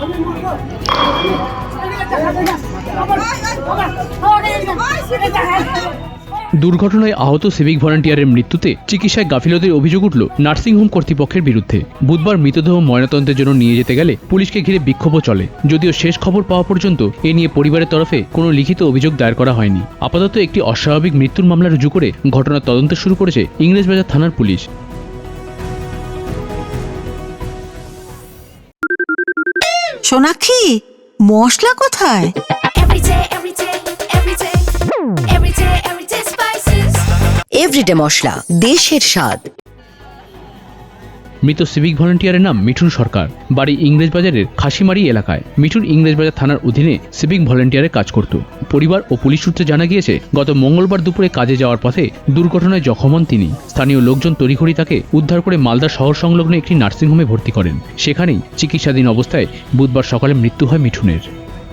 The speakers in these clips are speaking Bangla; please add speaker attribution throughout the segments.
Speaker 1: দুর্ঘটনায় আহত সিভিক ভলান্টিয়ারের মৃত্যুতে চিকিৎসায় গাফিলতির অভিযোগ উঠল নার্সিংহোম কর্তৃপক্ষের বিরুদ্ধে। বুধবার মৃতদেহ ময়নাতদন্তের জন্য নিয়ে যেতে গেলে পুলিশকে ঘিরে বিক্ষোভও চলে। যদিও শেষ খবর পাওয়া পর্যন্ত এ নিয়ে পরিবারের তরফে কোনো লিখিত অভিযোগ দায়ের করা হয়নি। আপাতত একটি অস্বাভাবিক মৃত্যুর মামলা রুজু করে ঘটনার তদন্ত শুরু করেছে ইংরেজবাজার থানার পুলিশ।
Speaker 2: সোনাক্ষী, মশলা কোথায়?
Speaker 3: এভরিডে মশলা, দেশের স্বাদ।
Speaker 1: মৃত সিভিক ভলান্টিয়ারের নাম মিঠুন সরকার, বাড়ি ইংরেজবাজারের খাসিমারি এলাকায়। মিঠুন ইংরেজবাজার থানার অধীনে সিভিক ভলান্টিয়ারের কাজ করত। পরিবার ও পুলিশ সূত্রে জানা গিয়েছে, গত মঙ্গলবার দুপুরে কাজে যাওয়ার পথে দুর্ঘটনায় জখম হন তিনি। স্থানীয় লোকজন তড়িঘড়ি তাকে উদ্ধার করে মালদা শহর সংলগ্ন একটি নার্সিংহোমে ভর্তি করেন। সেখানেই চিকিৎসাধীন অবস্থায় বুধবার সকালে মৃত্যু হয় মিঠুনের।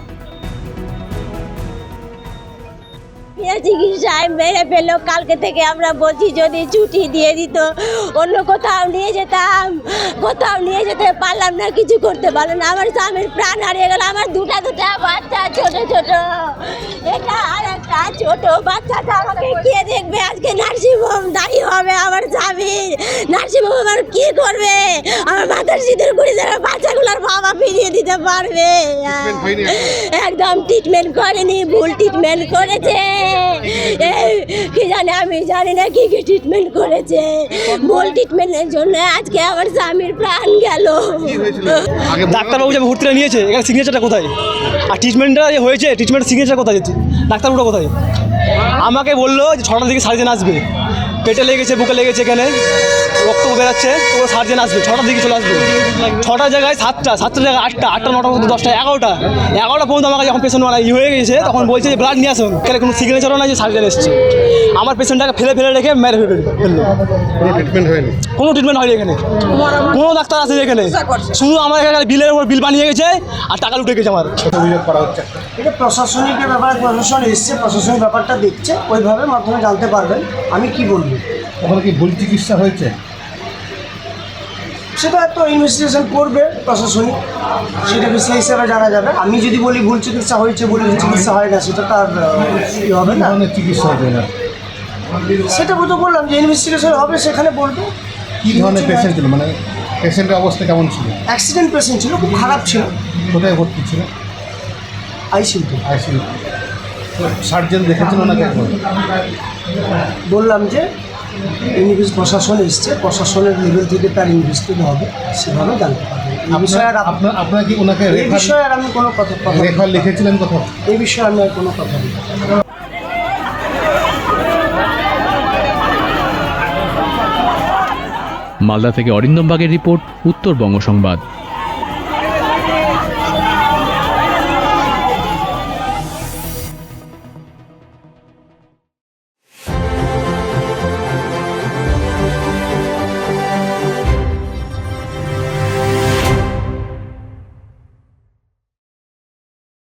Speaker 4: চিকিৎসায় মেরে ফেললো। কালকে থেকে আমরা বলছি যদি ছুটি দিয়ে দিত, অন্য কোথাও নিয়ে যেতাম। কোথাও নিয়ে যেতে পারলাম না, কিছু করতে পারলাম না। আমার স্বামীর প্রাণ হারিয়ে গেল। আমার দুটা বাচ্চা, ছোট ছোট, এটা আর একটা ছোট বাচ্চাটা আমাকে কে দেখবে? আজকে নার্সিংহোম দাঁড়িয়ে হবে আমার স্বামীর। নার্সিংহোম আমার কি করবে? আমার মাথার সিঁদুর করে যারা বাচ্চাগুলোর বাবা ফিরিয়ে দিতে পারবে? একদম ট্রিটমেন্ট করেনি, ভুল ট্রিটমেন্ট করেছে। কি জানে, আমি জানি না কি কি ট্রিটমেন্ট করেছে। ভুল ট্রিটমেন্টের জন্য আজকে আমার স্বামীর প্রাণ গেল।
Speaker 5: ডাক্তারবাবু যে ভর্তিটা নিয়েছে, এখানে সিগনেচারটা কোথায়? আর ট্রিটমেন্টটা যে হয়েছে, ট্রিটমেন্টের সিগনেচার কোথায়? ডাক্তারবাবুটা কোথায়? আমাকে বললো যে 6টার দিকে সার্জেন আসবে। পেটে লেগেছে, বুকে লেগেছে, এখানে রক্ত বেরাচ্ছে, তো সার্জেন আসবে 6টার দিকে চলে আসবে। 6টার জায়গায় 7টা, 7টার জায়গায় 8টা, 8টা 9টা 10টা 11টা পর্যন্ত আমাকে যখন পেশেন্ট হয়ে গেছে তখন বলছে যে ব্লাড নিয়ে আসুন। কেন কোনো সিগনেচারও নাই যে সার্জেন এসছে। আমার পেশেন্টটাকে ফেলে রেখে মেরে ফেললো। কোনো ট্রিটমেন্ট হয়নি এখানে, কোনো ডাক্তার আসেনি এখানে। শুধু আমার এখানে বিলের উপর বিল বানিয়ে গেছে আর টাকা লুটে গেছে। আমার
Speaker 6: অভিযোগ করা হচ্ছে, এটা প্রশাসনিক ব্যাপারে, প্রশাসন এসছে, প্রশাসনিক ব্যাপারটা দেখছে, ওইভাবে মাধ্যমে জানতে পারবেন। আমি কি বলবো,
Speaker 7: ওখানে কি ভুল চিকিৎসা হয়েছে
Speaker 6: সেটা তো ইনভেস্টিগেশন করবে প্রশাসনিক, সেটা সেই হিসাবে জানা যাবে। আমি যদি বলি ভুল চিকিৎসা হয়েছে, বলি চিকিৎসা হয় না, সেটা তার কি হবে না,
Speaker 7: চিকিৎসা হবে না।
Speaker 6: সেটা তো বললাম যে ইনভেস্টিগেশন হবে, সেখানে বলবে।
Speaker 7: কী ধরনের পেশেন্ট ছিল, মানে পেশেন্টের অবস্থা কেমন ছিল?
Speaker 6: অ্যাক্সিডেন্ট পেশেন্ট ছিল, খুব খারাপ ছিল।
Speaker 7: কোথায় ভর্তি ছিল?
Speaker 6: আইসিইউতে।
Speaker 7: সার্জেন দেখেছিল না কেন?
Speaker 6: বললাম যে প্রশাসন এসছে, প্রশাসনের লেভেল থেকে তার ইনভেস্টিগেশন হবে, সেভাবে জানতে পারবেন। এই বিষয়ে
Speaker 7: আপনার কি ওনাকে
Speaker 6: এই বিষয়ে আর আমি কোনো কথা
Speaker 7: রেফার লিখেছিলেন কোথাও?
Speaker 6: এই বিষয়ে আমি আর কোনো কথা বলি।
Speaker 1: মালদা থেকে অরিন্দম বাগের রিপোর্ট, উত্তরবঙ্গ সংবাদ।